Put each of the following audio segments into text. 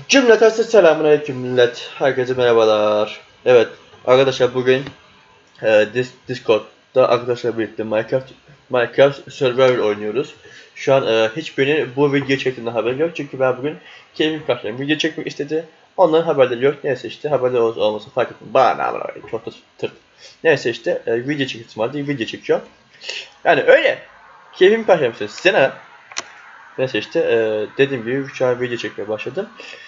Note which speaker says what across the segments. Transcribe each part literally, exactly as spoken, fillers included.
Speaker 1: Cümleten selamünaleyküm millet. Herkese merhabalar. Evet arkadaşlar bugün e, Dis- Discord'da arkadaşlarla birlikte Minecraft Minecraft Survival oynuyoruz. Şu an e, hiçbirinin bu video çektiğinden haberi yok çünkü ben bugün keyfim kaçtım. Video çekmek istedi. Onların haberleri yok. Neyse işte haberleri olsun olmasın fark etmiyor. Bana ne haber? Çok da tırt. Neyse işte e, video çektim vardı. Video çekiyor. Yani öyle. Keyfim kaçtım size ne? Neyse işte e, dediğim gibi şu an video çekmeye başladım.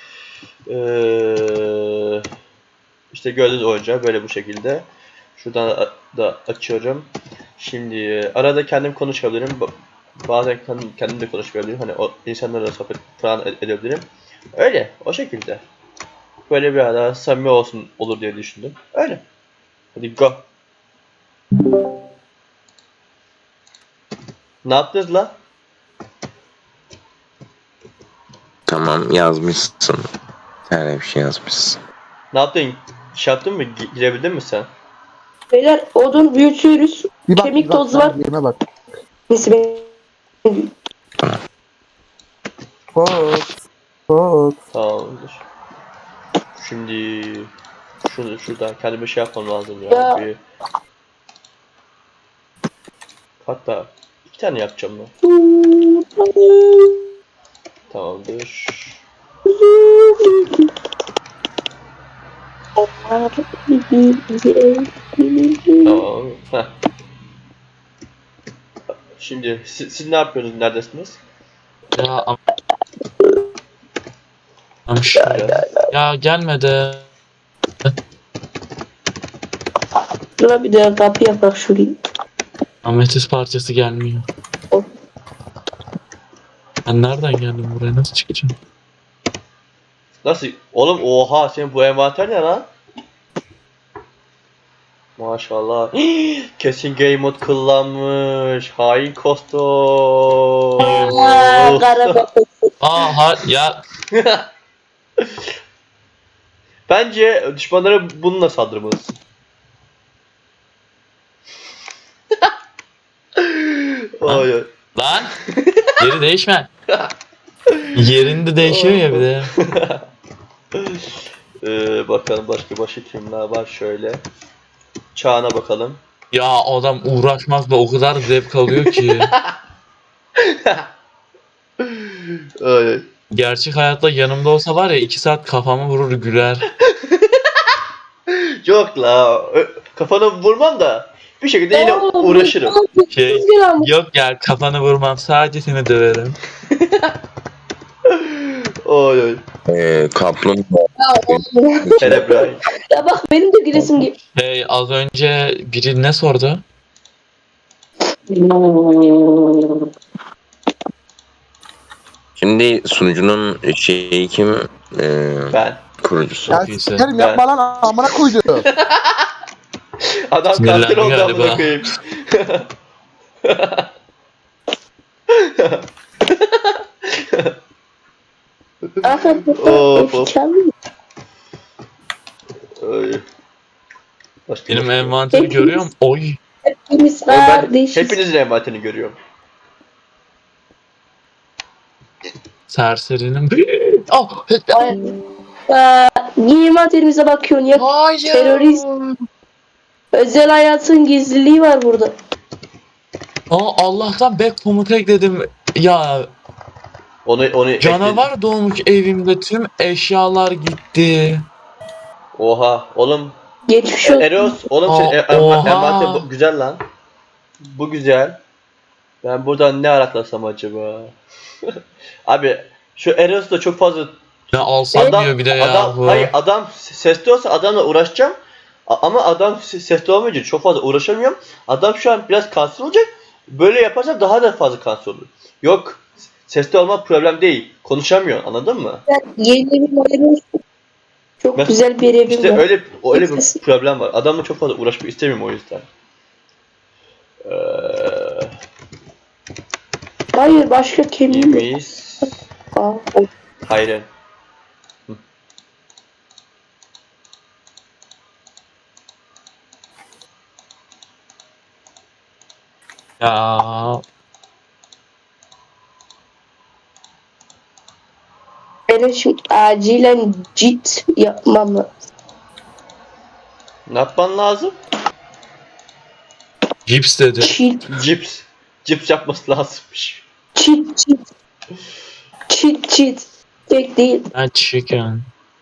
Speaker 1: Ee, işte gördüğünüz oyuncağı böyle bu şekilde. Şuradan da açıyorum. Şimdi arada kendim konuşabilirim. Bazen kendim de konuşabilirim. Hani o insanlarla sohbet falan edebilirim. Öyle, o şekilde. Böyle bir ara samimi olsun olur diye düşündüm. Öyle. Hadi go. Ne yaptınız la?
Speaker 2: Tamam yazmışsın. Her bir şey yazmışsın.
Speaker 1: Ne yaptın? Şey yaptın mı? Girebildin mi sen?
Speaker 3: Beyler odun büyütüyoruz.
Speaker 4: Bir bak,
Speaker 3: Kemik
Speaker 4: bir bak,
Speaker 3: tozu var.
Speaker 4: yerime bak.
Speaker 3: Neyse ben...
Speaker 4: Fox. Fox.
Speaker 1: Tamamdır. Şimdi şunu şuradan kendime şey yapmam lazım ya.
Speaker 3: Ya.
Speaker 1: Bir hatta iki tane yapacağım ben. Tamamdır. Tamam. Heh. Şimdi siz, siz ne yapıyorsunuz? Neredesiniz?
Speaker 5: Ya am am şöyle. Ya gelmedi.
Speaker 3: Dur bir de kapı yaprak şurayı.
Speaker 5: Ametist parçası gelmiyor. Ben nereden geldim buraya? Nasıl çıkacağım?
Speaker 1: Nasıl? Oğlum oha senin bu envanter ne lan? Maşallah. Kesin game mode kullanmış. Hain kostum.
Speaker 3: Aaa kara bakın.
Speaker 5: Aa ha ya
Speaker 1: Bence düşmanlara bununla saldırmalısın. Ay ay.
Speaker 5: lan yeri değişme. Yerinde değişiyor ya bir de.
Speaker 1: Ee, bakalım başka başka kimler var şöyle. Çağına bakalım.
Speaker 5: Ya adam uğraşmaz da o kadar zevk alıyor ki.
Speaker 1: Ay ay.
Speaker 5: Gerçek hayatta yanımda olsa var ya iki saat kafamı vurur güler.
Speaker 1: Yok la. ö- Kafana vurmam da bir şekilde yine
Speaker 3: Oğlum,
Speaker 1: uğraşırım.
Speaker 5: Şey
Speaker 3: Rüzgar almış.
Speaker 5: yok ya kafanı vurmam sadece seni döverim.
Speaker 1: Oy oy.
Speaker 2: Ee, kaplumbağa.
Speaker 3: Ya oğlum.
Speaker 1: Cerebrahim.
Speaker 3: Ya bak benim de gülesim gibi.
Speaker 5: Hey az önce biri ne sordu?
Speaker 2: Şimdi sunucunun şeyi kim? Ee,
Speaker 1: Ben.
Speaker 2: kurucusu.
Speaker 4: Ya
Speaker 5: iyisi.
Speaker 4: sikerim yapma lan amına koydu.
Speaker 1: Adam
Speaker 5: Sinirlendi
Speaker 1: katil oldu
Speaker 5: galiba.
Speaker 1: amına koyayım.
Speaker 3: Aferin.
Speaker 1: Of, of.
Speaker 3: Çalıyor.
Speaker 1: Ay. Başka
Speaker 5: Benim
Speaker 1: başka.
Speaker 5: envanteri
Speaker 3: Hepimiz-
Speaker 5: görüyor musun? Oy.
Speaker 3: Hepimiz
Speaker 1: Oğlum ben
Speaker 3: kardeşiz.
Speaker 1: hepinizin envanterini görüyorum.
Speaker 5: Serserinin. Oh,
Speaker 3: Hayır. Aa, giyim materialimize bakıyorsun ya.
Speaker 5: hayır.
Speaker 3: Terörist. Özel hayatın gizliliği var burada.
Speaker 5: Aa, Allah'tan back komuta ekledim. Ya
Speaker 1: Onu onu
Speaker 5: canavar doğmuş evimde tüm eşyalar gitti.
Speaker 1: Oha oğlum.
Speaker 3: Geçmiş
Speaker 1: E,
Speaker 3: olsun.
Speaker 1: Eros oğlum senin
Speaker 5: Aa,
Speaker 1: en- en-
Speaker 5: oha.
Speaker 1: envanter bu- güzel lan. Bu güzel. Ben buradan ne araklasam acaba? Abi şu Eros da çok fazla
Speaker 5: Ne alsam
Speaker 1: adam
Speaker 5: diyor bir de ya
Speaker 1: adam
Speaker 5: bu.
Speaker 1: hayır adam sesli olsa adamla uğraşacağım. A- ama adam se- sesli olmayınca çok fazla uğraşamıyorum. Adam şu an biraz kanser olacak. Böyle yaparsa daha da fazla kanser olur. Yok sesli olma problem değil. Konuşamıyor anladın mı?
Speaker 3: Yeni evim hayırlı olsun. Çok
Speaker 1: Ben-
Speaker 3: güzel bir evim
Speaker 1: İşte
Speaker 3: var.
Speaker 1: öyle öyle bir
Speaker 3: Nefes.
Speaker 1: problem var. Adamla çok fazla uğraşmak istemiyorum o yüzden. Eee
Speaker 3: Hayır başka kemiğim yok.
Speaker 1: Yemeyiz.
Speaker 3: Aa,
Speaker 1: Hayır.
Speaker 5: Ya
Speaker 3: Benim şimdi acilen cit yapmam lazım.
Speaker 1: Ne yapman lazım?
Speaker 5: Cips dedi.
Speaker 3: Cheat,
Speaker 1: Cips. Cips yapması lazımmış.
Speaker 3: cheat, cheat. Cheat, cheat. Tek değil.
Speaker 5: Ha chicken.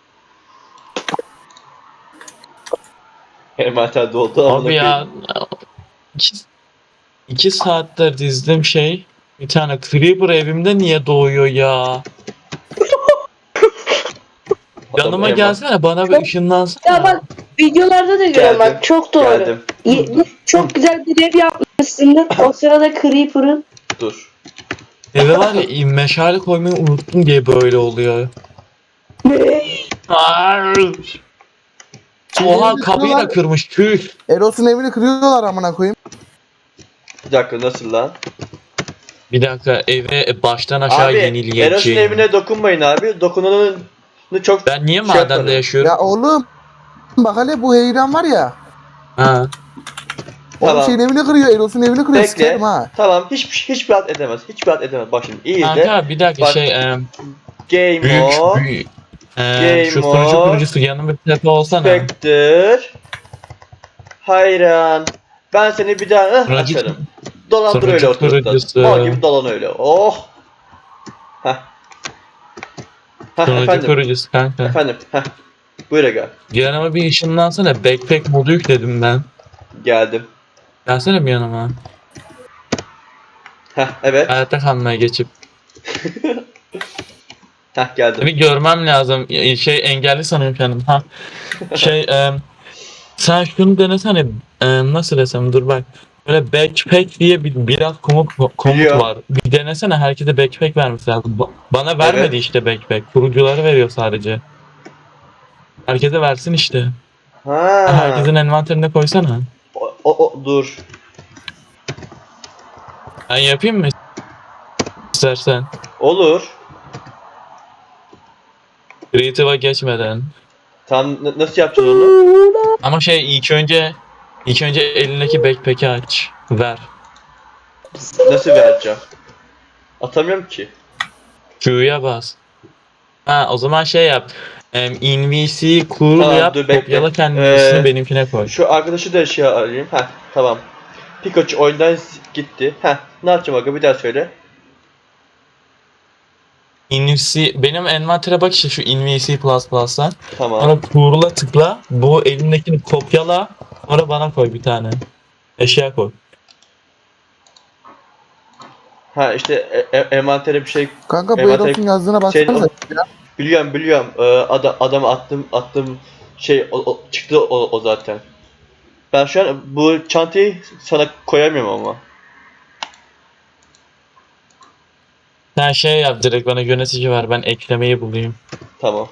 Speaker 1: Envanter doldu amına
Speaker 5: Abi ya.
Speaker 1: koyayım.
Speaker 5: iki, iki saattir dizdim şey. Bir tane Creeper evimde niye doğuyor ya?
Speaker 1: Adam
Speaker 5: Yanıma
Speaker 1: envan-
Speaker 5: gelsene bana bir ışınlansana.
Speaker 3: Ya bak videolarda da görüyorum
Speaker 1: Geldim,
Speaker 3: bak çok doğru.
Speaker 1: Geldim.
Speaker 3: Ye- çok güzel bir ev yapmışsın. O sırada Creeper'ın.
Speaker 1: Dur.
Speaker 5: Eve var ya meşale koymayı unuttum diye böyle oluyor. Ar! Oha kapıyı da kırmış tüh.
Speaker 4: Eros'un evini kırıyorlar amına koyayım.
Speaker 1: Bir dakika nasıl lan?
Speaker 5: Bir dakika eve baştan aşağı
Speaker 1: Abi Eros'un
Speaker 5: yenileyeceğim.
Speaker 1: evine dokunmayın abi. Dokunanın çok
Speaker 5: Ben niye
Speaker 1: şey
Speaker 5: madende
Speaker 1: yaparım.
Speaker 5: yaşıyorum?
Speaker 4: Ya oğlum. Bak hele bu heyran var ya.
Speaker 5: Ha.
Speaker 4: Oğlum
Speaker 1: Tamam.
Speaker 4: şeyin evini kırıyor. Eros'un evini kırıyor.
Speaker 1: Bekle.
Speaker 4: Sikerim ha.
Speaker 1: Tamam. Hiç hiçbir at edemez. Hiçbir at edemez. Bak şimdi iyi de.
Speaker 5: Kanka bir dakika
Speaker 1: Bak-
Speaker 5: şey em,
Speaker 1: Game
Speaker 5: büyük
Speaker 1: o.
Speaker 5: büyük. Em,
Speaker 1: Game
Speaker 5: şu sunucu
Speaker 1: mode.
Speaker 5: kurucusu yanında bir tepe olsana.
Speaker 1: Spectre. Hayran. Ben seni bir daha ıh,
Speaker 5: Sunucu-
Speaker 1: açarım. Dolandır
Speaker 5: sunucu
Speaker 1: öyle ortalıkta.
Speaker 5: kurucusu.
Speaker 1: Mal gibi dolan öyle. Oh. Heh. Heh
Speaker 5: Sunucu
Speaker 1: efendim.
Speaker 5: kurucusu kanka.
Speaker 1: Efendim. Heh. Buyur gel.
Speaker 5: Yanıma bir ışınlansana. Backpack modu yükledim ben.
Speaker 1: Geldim.
Speaker 5: Gelsene bir yanıma.
Speaker 1: Heh evet.
Speaker 5: Hayatta kalmaya geçip.
Speaker 1: Heh geldim.
Speaker 5: Bir görmem lazım. Şey engelli sanıyorum kendimi. Ha. Şey em, sen şunu denesene. Em, nasıl desem dur bak. Böyle backpack diye bir biraz komut komut
Speaker 1: Biliyorum.
Speaker 5: var. Bir denesene herkese backpack vermesi lazım. Ba- Bana vermedi
Speaker 1: Evet.
Speaker 5: işte backpack. Kurucuları veriyor sadece. Herkese versin işte.
Speaker 1: Ha.
Speaker 5: Herkesin envanterine koysana.
Speaker 1: O, o, o- dur.
Speaker 5: Ben yapayım mı? İstersen.
Speaker 1: Olur.
Speaker 5: Creative'a geçmeden.
Speaker 1: Tam n- nasıl yapacağız onu?
Speaker 5: Ama şey ilk önce ilk önce elindeki backpack'i aç. Ver.
Speaker 1: Nasıl vereceğim? Atamıyorum ki.
Speaker 5: Q'ya bas. Ha o zaman şey yap. Em, N V C cool
Speaker 1: Tamam,
Speaker 5: yap.
Speaker 1: dur, bekle.
Speaker 5: Kopyala kendi
Speaker 1: Ee,
Speaker 5: üstünü benimkine koy.
Speaker 1: Şu arkadaşı da şey arayayım. Heh tamam. Pikachu oyundan s- gitti. Heh ne yapacağım aga bir daha söyle.
Speaker 5: N V C benim envantere bak işte şu N V C plus plus'tan.
Speaker 1: Tamam.
Speaker 5: Sonra cool'a tıkla. Bu elindekini kopyala. Sonra bana koy bir tane. Eşya koy.
Speaker 1: Ha işte e- e- envantere bir şey
Speaker 4: Kanka bu
Speaker 1: Envanter-
Speaker 4: Eros'un yazdığına
Speaker 1: şey-
Speaker 4: baksanıza.
Speaker 1: biliyorum biliyorum. Ee, ada, adama attım attım şey o, o- çıktı o, o zaten. Ben şu an bu çantayı sana koyamıyorum ama.
Speaker 5: Sen şey yap direkt bana yönetici ver. Ben eklemeyi bulayım.
Speaker 1: Tamam.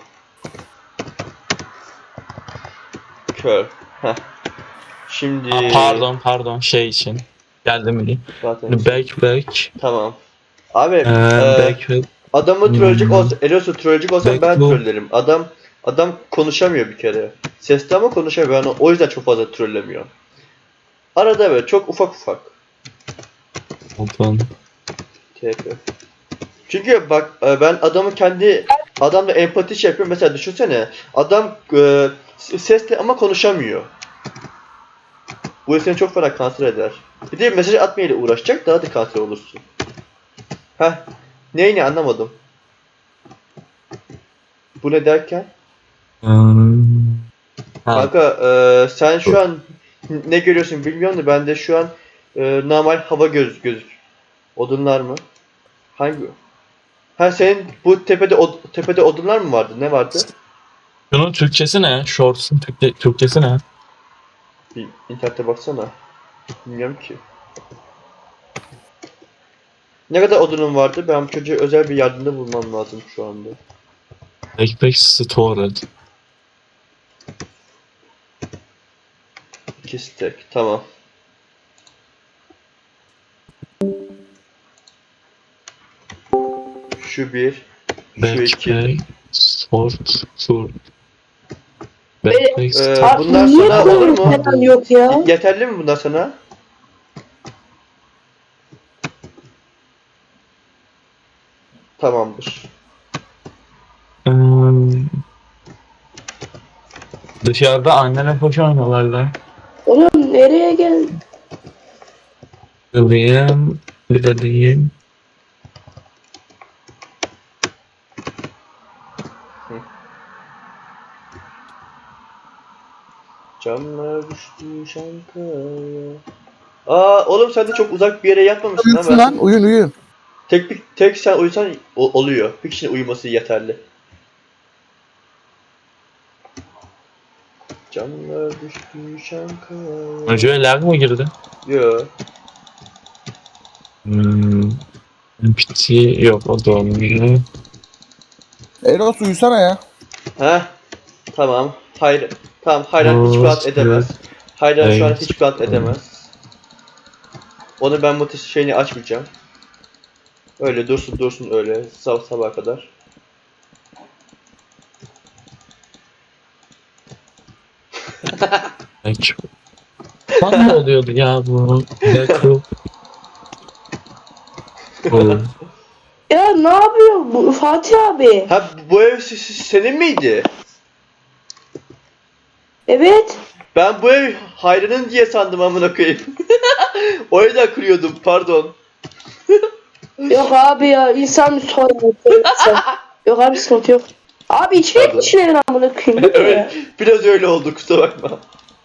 Speaker 1: Kör. Heh. Şimdi
Speaker 5: Aa, pardon pardon şey için. Geldi mi diyeyim.
Speaker 1: zaten
Speaker 5: Backpack.
Speaker 1: tamam. Abi
Speaker 5: Ee,
Speaker 1: e,
Speaker 5: backpack.
Speaker 1: adamı trolleyecek
Speaker 5: Hmm.
Speaker 1: olsa, Eros'u trolleyecek olsam ben
Speaker 5: Bekle.
Speaker 1: trollerim. Adam adam konuşamıyor bir kere. Sesli ama konuşamıyor. Yani o yüzden çok fazla trollemiyor. Arada böyle çok ufak ufak.
Speaker 5: Pardon.
Speaker 1: T P. Çünkü bak e, ben adamı kendi adamla empati şey yapıyorum. Mesela düşünsene adam e, sesli ama konuşamıyor. Bu seni çok fena kanser eder. Bir de mesaj atmayla uğraşacak daha da kanser olursun. Heh. Neyini anlamadım. Bu ne derken?
Speaker 5: Hmm. Ha,
Speaker 1: Kanka e, sen şu an ne görüyorsun bilmiyorum da bende şu an e, normal hava göz gözük. Odunlar mı? Hangi? Ha senin bu tepede od- tepede odunlar mı vardı? Ne vardı?
Speaker 5: Şunun Türkçesi ne? Shorts'un Türkçe, Türkçesi ne?
Speaker 1: Bir internete baksana. Bilmiyorum ki. Ne kadar odunun vardı? Ben bu çocuğa özel bir yardımda bulmam lazım şu anda.
Speaker 5: Backpack Stored.
Speaker 1: İki stack. Tamam. Şu bir. Şu iki.
Speaker 5: Backpack Stored. Stored.
Speaker 3: Be-
Speaker 5: Backpack
Speaker 1: Ee,
Speaker 5: Stored.
Speaker 3: Abi
Speaker 1: bunlar
Speaker 3: niye
Speaker 1: sana olur mu?
Speaker 3: koyun falan yok ya?
Speaker 1: Yeterli mi bunlar sana? Tamamdır.
Speaker 5: Dışarıda annene hoş oynuyorlar lan.
Speaker 3: Oğlum nereye geldin?
Speaker 5: Kılayım. Bir de diyeyim.
Speaker 1: Camlar düştü şankaya. Aa oğlum sen de çok uzak bir yere yatmamışsın
Speaker 4: Uyusun
Speaker 1: ama.
Speaker 4: lan uyun uyun.
Speaker 1: Tek, bir- tek sen uyusan o- oluyor. Bir kişinin uyuması yeterli. Camlar düştü şankaya.
Speaker 5: Hocaya lag mı girdi?
Speaker 1: Yo.
Speaker 5: Hmm. P T yok o da olmuyor.
Speaker 4: Eros uyusana ya.
Speaker 1: Heh. Tamam. Hayır. Tamam Hayran hiç rahat edemez. Hayran şu an
Speaker 5: Evet.
Speaker 1: hiç rahat edemez. Onu ben bu şeyini açmayacağım. Öyle dursun dursun öyle sabah sabaha kadar.
Speaker 5: Peki. Bana ne oluyordu ya bu? Backup. Oğlum.
Speaker 3: Ya ne yapıyor bu Fatih abi?
Speaker 1: Ha bu ev s- s- senin miydi?
Speaker 3: Evet.
Speaker 1: Ben bu ev Hayran'ın diye sandım amına koyayım. O yüzden kırıyordum pardon.
Speaker 3: Yok abi ya insan müsaade. Yok abi sıkıntı yok. Abi içine
Speaker 1: Pardon.
Speaker 3: etmişler amına koyayım. Bu ne ya?
Speaker 1: Evet biraz öyle oldu kusura bakma.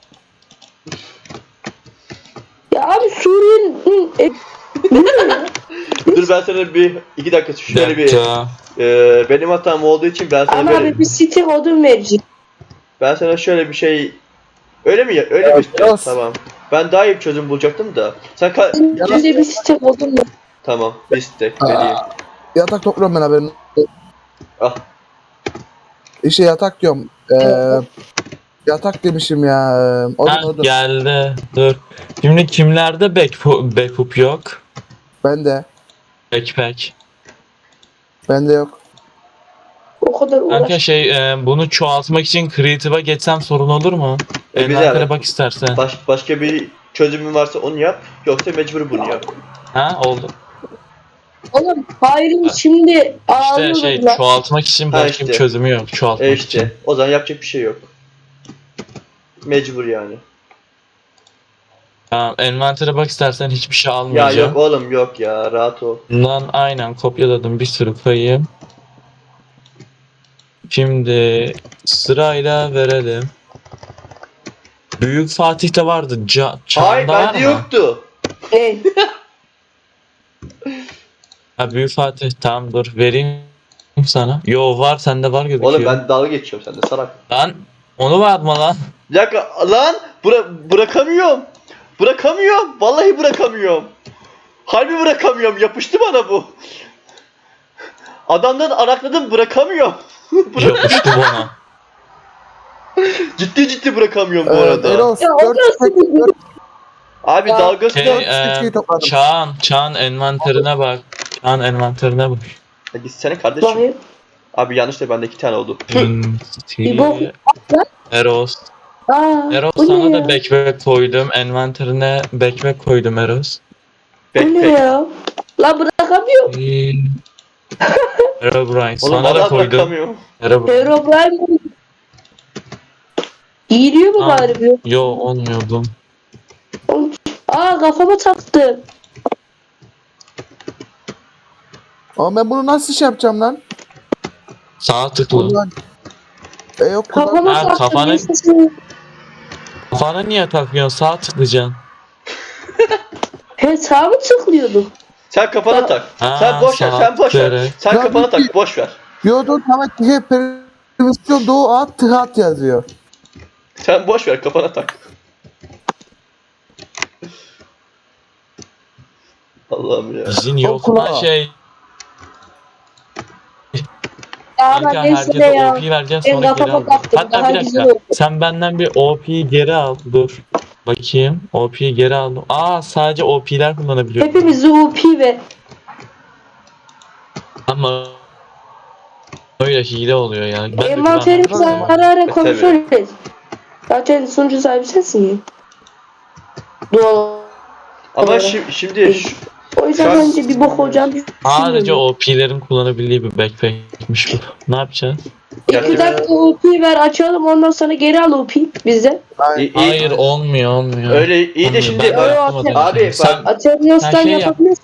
Speaker 3: Ya abi Suriye'nin e, bu ne ya?
Speaker 1: Dur ben sana bir iki dakika şöyle bir
Speaker 5: Dakika.
Speaker 1: e, benim hatam olduğu için ben sana
Speaker 3: Ama
Speaker 1: böyle
Speaker 3: abi bir site odun verecek.
Speaker 1: ben sana şöyle bir şey öyle mi ya öyle mi
Speaker 4: Evet,
Speaker 1: istiyorsun?
Speaker 4: yes.
Speaker 1: Tamam. Ben daha iyi bir çözüm bulacaktım da. Sen ka-
Speaker 3: Önce bir site odun ver.
Speaker 1: tamam bir istek vereyim.
Speaker 4: Yatak topluyorum ben haberin.
Speaker 1: Ah.
Speaker 4: İşte yatak diyorum. Ee, yatak demişim ya. Odun
Speaker 5: Ha,
Speaker 4: odun.
Speaker 5: geldi. Dur. Şimdi kimlerde backhook, backhook yok?
Speaker 4: Bende.
Speaker 5: Backpack.
Speaker 4: Bende yok.
Speaker 3: O kadar
Speaker 5: Kanka
Speaker 3: uğraş.
Speaker 5: şey e, bunu çoğaltmak için Creative'a geçsem sorun olur mu?
Speaker 1: E, güzel.
Speaker 5: Envantere bak istersen.
Speaker 1: Baş, başka bir çözümün varsa onu yap. Yoksa mecbur bunu yap.
Speaker 5: Ha oldu.
Speaker 3: Oğlum Hayri şimdi
Speaker 5: İşte
Speaker 3: ağlıyor
Speaker 5: şey
Speaker 3: lan.
Speaker 5: çoğaltmak için
Speaker 1: Ha,
Speaker 5: başka
Speaker 1: işte.
Speaker 5: bir çözümü yok çoğaltmak
Speaker 1: E
Speaker 5: için.
Speaker 1: işte. O zaman yapacak bir şey yok. Mecbur yani.
Speaker 5: Tamam, envantere bak istersen hiçbir şey
Speaker 1: Ya
Speaker 5: almayacağım.
Speaker 1: yok oğlum yok ya rahat ol.
Speaker 5: Bundan aynen kopyaladım bir sürü kayı. Şimdi sırayla verelim. Büyük Fatih'te vardı. Ca Çağında
Speaker 1: Hayır
Speaker 5: var
Speaker 1: bende
Speaker 5: mı?
Speaker 1: yoktu.
Speaker 3: Ne?
Speaker 5: Ha Büyük Fatih tamam dur vereyim sana. Yo var sende var gözüküyor.
Speaker 1: Oğlum ben dalga geçiyorum sende salak.
Speaker 5: Lan onu verme lan.
Speaker 1: Bir dakika lan bıra bırakamıyorum. Bırakamıyorum. Vallahi bırakamıyorum. Harbi bırakamıyorum. Yapıştı bana bu. Adamdan arakladım bırakamıyorum.
Speaker 5: Yapıştı bana.
Speaker 1: Ciddi ciddi bırakamıyorum bu
Speaker 4: Ee,
Speaker 1: arada.
Speaker 4: Eros
Speaker 3: Ya o
Speaker 4: dört
Speaker 3: nasıl bir
Speaker 1: Abi
Speaker 3: Ya,
Speaker 1: dalgası
Speaker 5: Şey,
Speaker 1: da...
Speaker 5: e,
Speaker 4: şey topladım.
Speaker 5: Çağan, Çağan envanterine bak. Çağan envanterine bak.
Speaker 1: Ya Gitsene kardeşim.
Speaker 3: bakayım?
Speaker 1: Abi yanlış da bende iki tane oldu.
Speaker 5: Hmm,
Speaker 3: Bir bok.
Speaker 5: Eros.
Speaker 3: Aa,
Speaker 5: Eros
Speaker 3: bu
Speaker 5: sana
Speaker 3: ne
Speaker 5: da
Speaker 3: ya?
Speaker 5: backpack koydum. Envanterine backpack koydum Eros.
Speaker 3: Bu ne
Speaker 1: Backpack.
Speaker 3: ya? Lan bırakamıyorum.
Speaker 5: Herobrine
Speaker 1: Oğlum
Speaker 5: sana da
Speaker 1: valla
Speaker 5: koydum.
Speaker 1: bırakamıyorum.
Speaker 5: Herobrine.
Speaker 3: Herobrine bu. Giyiliyor mu
Speaker 5: Aa.
Speaker 3: bari bu?
Speaker 5: Yo olmuyordum.
Speaker 3: Aa kafama taktı.
Speaker 4: Ama ben bunu nasıl şey yapacağım lan?
Speaker 5: Sağ tıkla.
Speaker 4: Ulan. E yok kullan.
Speaker 3: Kafama
Speaker 5: Ha,
Speaker 3: taktı.
Speaker 5: kafana-
Speaker 3: Bir sesi-
Speaker 5: Kafana niye takıyorsun? Sağ tıklayacaksın.
Speaker 3: He sağ mı tıklıyordum?
Speaker 1: Sen kafana
Speaker 3: Ya-
Speaker 1: tak.
Speaker 5: Ha,
Speaker 1: Sen boş ver,
Speaker 5: sağ
Speaker 1: sen boş ver.
Speaker 5: tıklayarak.
Speaker 1: Sen
Speaker 4: Ya
Speaker 1: kafana
Speaker 4: bir-
Speaker 1: tak, boş ver.
Speaker 4: Yo dur tamam ki permisyon doğu at tıhat yazıyor.
Speaker 1: Sen boş ver, kafana tak. Allah'ım ya.
Speaker 5: İzin yok.
Speaker 4: Okula.
Speaker 5: Ha şey.
Speaker 3: Ya
Speaker 5: Kanka
Speaker 3: ben neyse
Speaker 5: herkese
Speaker 3: de ya.
Speaker 5: O P vereceğim
Speaker 3: Ben
Speaker 5: sonra geri
Speaker 3: kafama
Speaker 5: al.
Speaker 3: taktım.
Speaker 5: Hatta
Speaker 3: Daha
Speaker 5: bir
Speaker 3: güzel
Speaker 5: dakika.
Speaker 3: oldu.
Speaker 5: Sen benden bir O P'yi geri al. Dur. Bakayım. O P'yi geri aldım. Aa sadece O P'ler kullanabiliyor.
Speaker 3: Hepimiz U P ve
Speaker 5: Ama öyle hile oluyor yani. Ben de
Speaker 3: envanterimizi
Speaker 5: güvenmem.
Speaker 3: ara ara
Speaker 1: E,
Speaker 3: kontrol et. Zaten sunucu sahibi sensin ya. Doğal.
Speaker 1: Ama
Speaker 3: Doğru.
Speaker 1: şi- şimdi şu-
Speaker 3: O yüzden
Speaker 1: Şu an-
Speaker 3: bence bir bok olacağını
Speaker 5: Sadece
Speaker 3: düşünmüyorum.
Speaker 5: O P'lerin kullanabildiği bir backpack'miş bu. Ne yapacağız?
Speaker 3: İki dakika O P ver açalım ondan sonra geri al O P bize.
Speaker 4: Aynen.
Speaker 1: İyi, iyi.
Speaker 5: Hayır olmuyor olmuyor.
Speaker 1: Öyle iyi de
Speaker 5: Olmuyor.
Speaker 1: şimdi
Speaker 5: Ben
Speaker 1: bak,
Speaker 5: yaptım o
Speaker 3: Abi,
Speaker 5: demek yani.
Speaker 1: bak-
Speaker 5: Sen
Speaker 3: Atabiliyorsan
Speaker 5: Sen şey yap.
Speaker 3: yapabilirsin.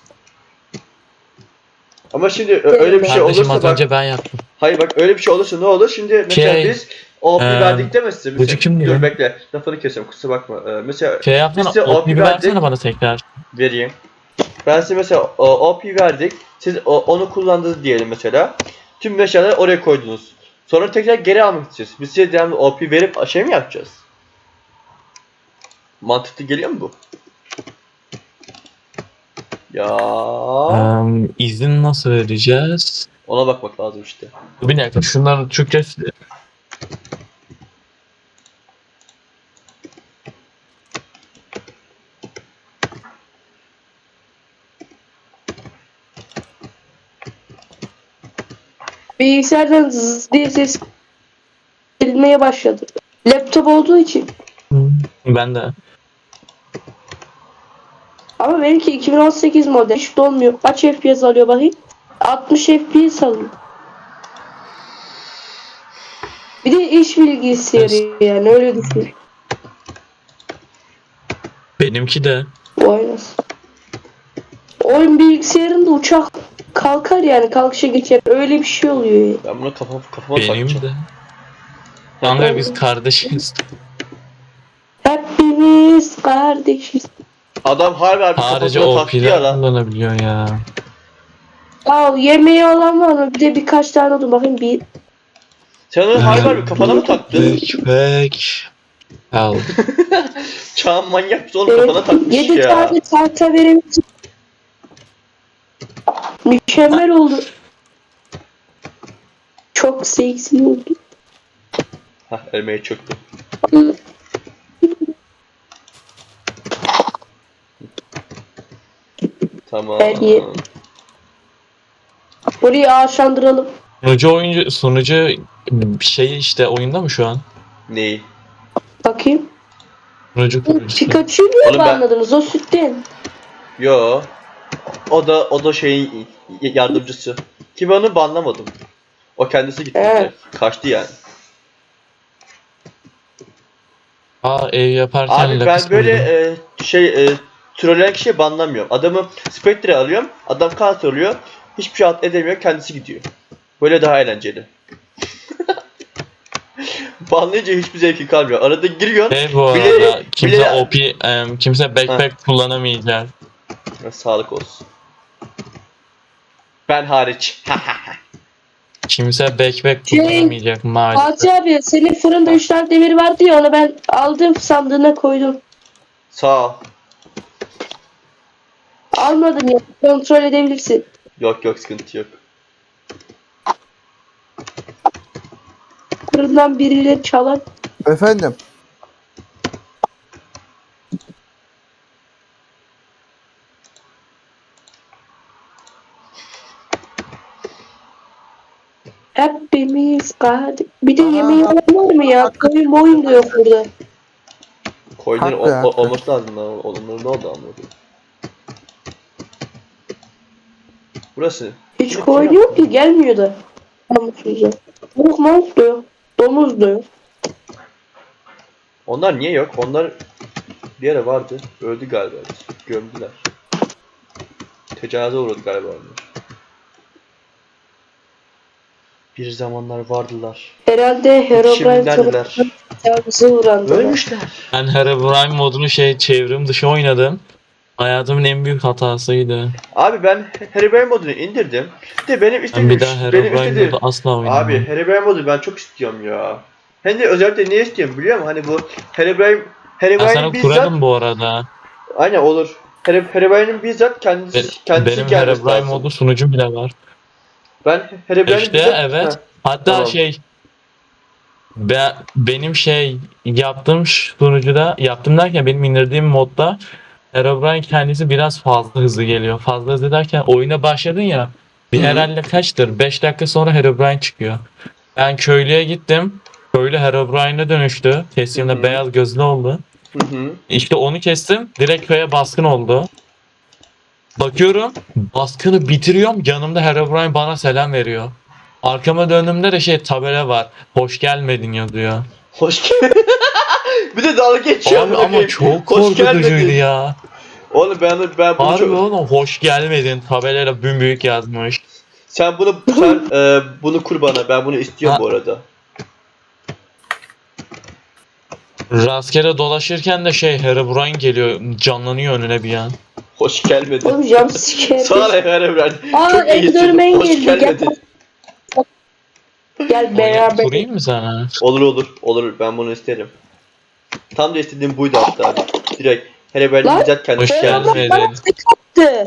Speaker 1: ama şimdi ö- öyle bir şey
Speaker 5: kardeşim
Speaker 1: olursa
Speaker 5: az
Speaker 1: bak.
Speaker 5: önce ben yaptım.
Speaker 1: Hayır bak öyle bir şey olursa ne olur? Şimdi mesela
Speaker 5: Şey,
Speaker 1: biz O P
Speaker 5: eee,
Speaker 1: verdik demezsin.
Speaker 5: Burcu kim
Speaker 1: Dur
Speaker 5: diyor?
Speaker 1: bekle. Lafını kesiyorum kusura bakma. Ee, mesela
Speaker 5: Şey yapsana,
Speaker 1: Biz de
Speaker 5: O P'yi
Speaker 1: O P verdik.
Speaker 5: versene bana tekrar.
Speaker 1: vereyim. Ben size mesela o, O P verdik. Siz o- onu kullandınız diyelim mesela. Tüm eşyaları oraya koydunuz. Sonra tekrar geri almak isteyeceğiz. Biz size devamlı O P verip şey mi yapacağız? Mantıklı geliyor mu bu? Ya
Speaker 5: Eee, izin nasıl vereceğiz?
Speaker 1: ona bakmak lazım işte.
Speaker 5: Bir dakika şunların Türkçesi.
Speaker 3: Bilgisayardan zzz diye ses gelmeye başladı. Laptop olduğu için.
Speaker 5: Hı, Ben de.
Speaker 3: Ama benimki iki bin on sekiz model hiç dolmuyor. Kaç F P S alıyor bakayım? altmış F P S alıyor. Bir de iş bilgisayarı yani öyle düşün.
Speaker 5: Benimki de.
Speaker 3: Vay nasıl. Oyun bilgisayarında uçak kalkar yani kalkışa geçer. Öyle bir şey oluyor ya.
Speaker 1: Ben bunu kafam, kafama
Speaker 5: Benim
Speaker 1: takacağım.
Speaker 5: de. Kanka biz kardeşiz.
Speaker 3: Hepimiz kardeşiz.
Speaker 1: Adam harbi harbi
Speaker 5: Sadece
Speaker 1: kafasına
Speaker 5: O
Speaker 1: taktı ya
Speaker 5: P'ler
Speaker 1: lan.
Speaker 5: kullanabiliyor ya.
Speaker 3: Ya yemeği olan var mı? Bir de birkaç tane oldu bakayım bir.
Speaker 1: Sen onu harbi harbi kafana mı taktın?
Speaker 5: Bek bek. Al.
Speaker 1: Çağın manyak mısın oğlum kafana takmış
Speaker 3: Yedi
Speaker 1: ya.
Speaker 3: tane tahta verebiliriz. Mükemmel oldu. Çok seksi oldu.
Speaker 1: Hah elmeye çöktü. Tamam.
Speaker 3: Ben iyi. Burayı ağaçlandıralım.
Speaker 5: Sunucu oyuncu sunucu şey işte oyunda mı şu an?
Speaker 1: Neyi?
Speaker 3: Bakayım.
Speaker 5: Sunucu kurucusu.
Speaker 3: Pikachu'yu niye
Speaker 1: Oğlum ben-
Speaker 3: banladınız? O sütten.
Speaker 1: Yo. O da o da şeyin yardımcısı. Ki ben onu banlamadım. O kendisi gitti.
Speaker 3: Evet.
Speaker 1: direkt. Kaçtı yani.
Speaker 5: Aa ev yaparken
Speaker 1: Abi ben
Speaker 5: lapis
Speaker 1: böyle
Speaker 5: buldum.
Speaker 1: e, şey e, trolleyen kişiyi banlamıyorum. Adamı Spectre alıyorum. Adam kart oluyor. Hiçbir şey alt edemiyor. Kendisi gidiyor. Böyle daha eğlenceli. Banlayınca hiçbir zevki kalmıyor. Arada giriyorsun.
Speaker 5: Şey bu arada
Speaker 1: bilerek-
Speaker 5: kimse
Speaker 1: bilerek-
Speaker 5: O P em, kimse backpack kullanamayacak.
Speaker 1: Ya, sağlık olsun. Ben hariç.
Speaker 5: Kimse backpack
Speaker 3: Şey,
Speaker 5: kullanamayacak maalesef.
Speaker 3: Fatih abi senin fırında üç tane demir vardı ya onu ben aldım sandığına koydum.
Speaker 1: Sağ ol.
Speaker 3: Almadın ya kontrol edebilirsin.
Speaker 1: Yok yok sıkıntı yok.
Speaker 3: Fırından birileri çalar.
Speaker 4: Efendim.
Speaker 3: Hepimiz kardeş. Bir de
Speaker 4: Aa.
Speaker 3: yemeği olan var mı ya? Koyun boyun da yok burada.
Speaker 1: Koyunların
Speaker 4: Haklı,
Speaker 1: o- o-
Speaker 4: haklı.
Speaker 1: olması lazım lan. Onların ne oldu anladım. Burası.
Speaker 3: Hiç
Speaker 1: Kim-
Speaker 3: koyun
Speaker 1: kim
Speaker 3: yok ki gelmiyor da. Namussuza. Tavuk mavuk da yok. Domuz da yok.
Speaker 1: Onlar niye yok? Onlar bir yere vardı. Öldü galiba. Gömdüler. Tecavüze uğradı galiba onlar. Bir zamanlar vardılar.
Speaker 3: Herhalde Herobrine
Speaker 1: Şimdi neredeler?
Speaker 3: tarafından tecavüze uğrandılar.
Speaker 1: Ölmüşler.
Speaker 5: Ben Herobrine modunu şey çevrim dışı oynadım. Hayatımın en büyük hatasıydı.
Speaker 1: Abi ben Herobrine modunu indirdim. Bir de benim
Speaker 5: Ben
Speaker 1: istediğim
Speaker 5: bir daha
Speaker 1: benim
Speaker 5: Herobrine
Speaker 1: istediğim
Speaker 5: modu asla oynamam.
Speaker 1: Abi Herobrine modu ben çok istiyorum ya. Hem de özellikle niye istiyorum biliyor musun? Hani bu Herobrine
Speaker 5: Ben
Speaker 1: Herobrine'in
Speaker 5: sana
Speaker 1: bizzat
Speaker 5: kurarım bu arada.
Speaker 1: aynen olur. Here- Herobrine'in bizzat kendisi
Speaker 5: Be-
Speaker 1: kendisi
Speaker 5: benim
Speaker 1: gelmesi
Speaker 5: Herobrine
Speaker 1: lazım.
Speaker 5: modu sunucum bile var.
Speaker 1: Ben Herobrine'in
Speaker 5: İşte
Speaker 1: bizzat
Speaker 5: evet.
Speaker 1: Heh,
Speaker 5: Hatta
Speaker 1: tamam.
Speaker 5: şey be, benim şey yaptığım sunucuda yaptım derken benim indirdiğim modda Herobrine kendisi biraz fazla hızlı geliyor. Fazla hızlı derken oyuna başladın ya bir
Speaker 1: Hı.
Speaker 5: herhalde kaçtır? beş dakika sonra Herobrine çıkıyor. Ben köylüye gittim. Köylü Herobrine'e dönüştü. Kestiğimde
Speaker 1: Hı hı.
Speaker 5: beyaz gözlü oldu.
Speaker 1: Hı hı.
Speaker 5: İşte onu kestim. Direkt köye baskın oldu. Bakıyorum baskını bitiriyorum. Yanımda Herobrine bana selam veriyor. Arkama döndüğümde de şey tabela var. Hoş gelmedin yazıyor.
Speaker 1: Hoş geldin. Bir de dalga geçiyor.
Speaker 5: Abi
Speaker 1: amına
Speaker 5: ama
Speaker 1: koyayım.
Speaker 5: çok
Speaker 1: Hoş
Speaker 5: korkutucuydu
Speaker 1: gelmedin.
Speaker 5: ya.
Speaker 1: Oğlum ben ben bunu
Speaker 5: Harbi
Speaker 1: çok...
Speaker 5: oğlum hoş gelmedin tabelayla büyük yazmış.
Speaker 1: Sen bunu sen e, bunu kur bana. Ben bunu istiyorum
Speaker 5: Ha.
Speaker 1: bu arada.
Speaker 5: Rastgele dolaşırken de şey Herobrine geliyor canlanıyor önüne bir an.
Speaker 1: Hoş gelmedin.
Speaker 3: Oğlum jumpscare.
Speaker 1: Sağ ol Evren.
Speaker 3: Aa,
Speaker 1: Çok iyisin.
Speaker 3: Enderman
Speaker 1: Hoş
Speaker 3: geldi. Gel,
Speaker 1: gelmedin.
Speaker 3: gel beraber.
Speaker 5: Kurayım mı sana?
Speaker 1: Olur olur. Olur. Ben bunu isterim. Tam da istediğim buydu hatta. Direkt. Hele böyle
Speaker 3: Lan,
Speaker 1: bizzat kendisi
Speaker 5: hoş
Speaker 1: geldi.
Speaker 5: geldin.
Speaker 3: Herobrine bana tek attı.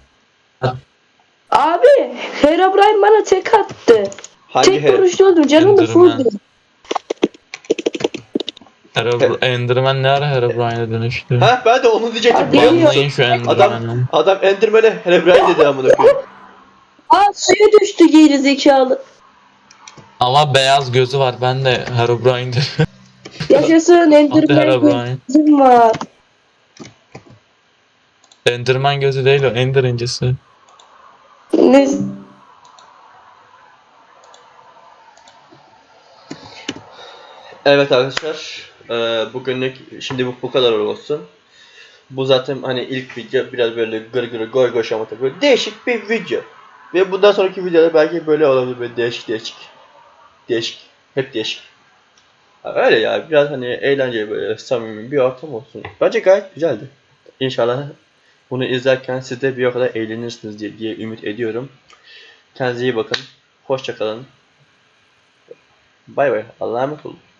Speaker 3: Abi Herobrine bana tek attı.
Speaker 1: Hangi
Speaker 3: Tek
Speaker 1: her?
Speaker 3: vuruşta öldüm. Canım da
Speaker 5: Enderman.
Speaker 3: fulldu.
Speaker 5: Herobr Enderman ne ara Herobrine'e dönüştü?
Speaker 1: Ha ben de onu diyecektim.
Speaker 3: Hadi.
Speaker 1: biliyor musun?
Speaker 5: Anlayın şu Enderman'ı.
Speaker 1: Adam Enderman'e Herobrine dedi amına koyayım.
Speaker 3: Aa suya düştü geri zekalı.
Speaker 5: Ama beyaz gözü var ben de Herobrine'de.
Speaker 3: Yaşasın
Speaker 5: Hadi
Speaker 3: Enderman
Speaker 5: Herobrine.
Speaker 3: gözüm var.
Speaker 5: Enderman gözü değil o Ender incisi.
Speaker 3: Ne?
Speaker 1: Evet arkadaşlar. eee, bugünlük şimdi bu, bu kadar olsun. Bu zaten hani ilk video biraz böyle gır gır goy goy şamata böyle değişik bir video. Ve bundan sonraki videolar belki böyle olabilir böyle değişik değişik. Değişik. Hep değişik. Ha, öyle ya biraz hani eğlenceli böyle samimi bir ortam olsun. Bence gayet güzeldi. İnşallah bunu izlerken siz de bir o kadar eğlenirsiniz diye, diye ümit ediyorum. Kendinize iyi bakın. Hoşça kalın. Bay bay. Allah'a emanet olun.